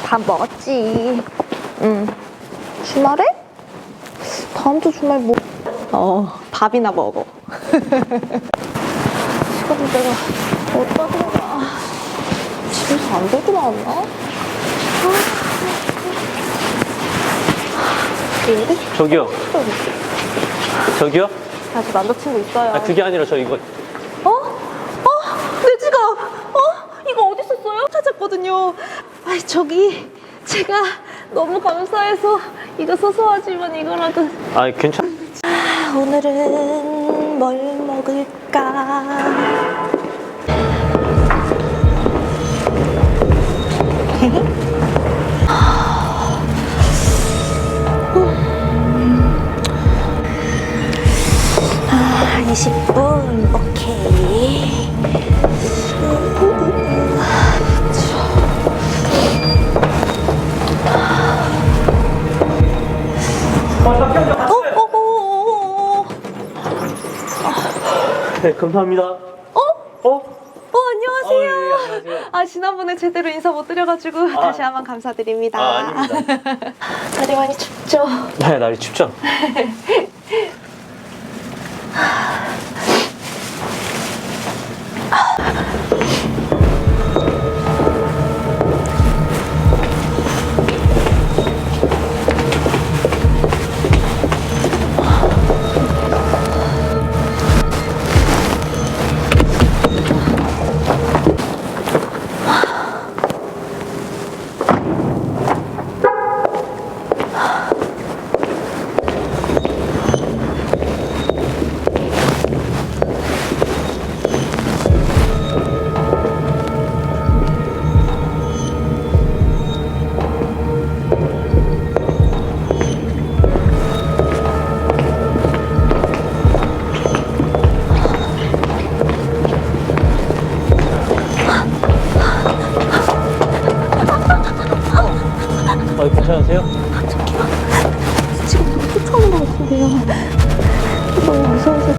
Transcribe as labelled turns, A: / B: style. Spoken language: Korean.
A: 밥 먹었지. 주말에? 다음 주 주말 뭐? 밥이나 먹어. 시간을 내가 어디다 둔가? 집에서 안 들고 나왔나?
B: 저기요. 저기요?
A: 아직 남자친구 있어요.
B: 아, 그게 아니라 저 이거.
A: 내 지갑! 이거 어디 있었어요? 찾았거든요. 아이, 저기, 제가 너무 감사해서 이거 소소하지만 이거라도.
B: 아, 괜찮.
A: 오늘은 뭘 먹을까? 아, 20분, 오케이.
B: 네, 감사합니다.
A: 안녕하세요.
B: 예, 안녕하세요.
A: 아, 지난번에 제대로 인사 못 드려가지고 다시 한번 감사드립니다.
B: 아닙니다.
A: 날이 많이 춥죠?
B: 네, 날이 춥죠?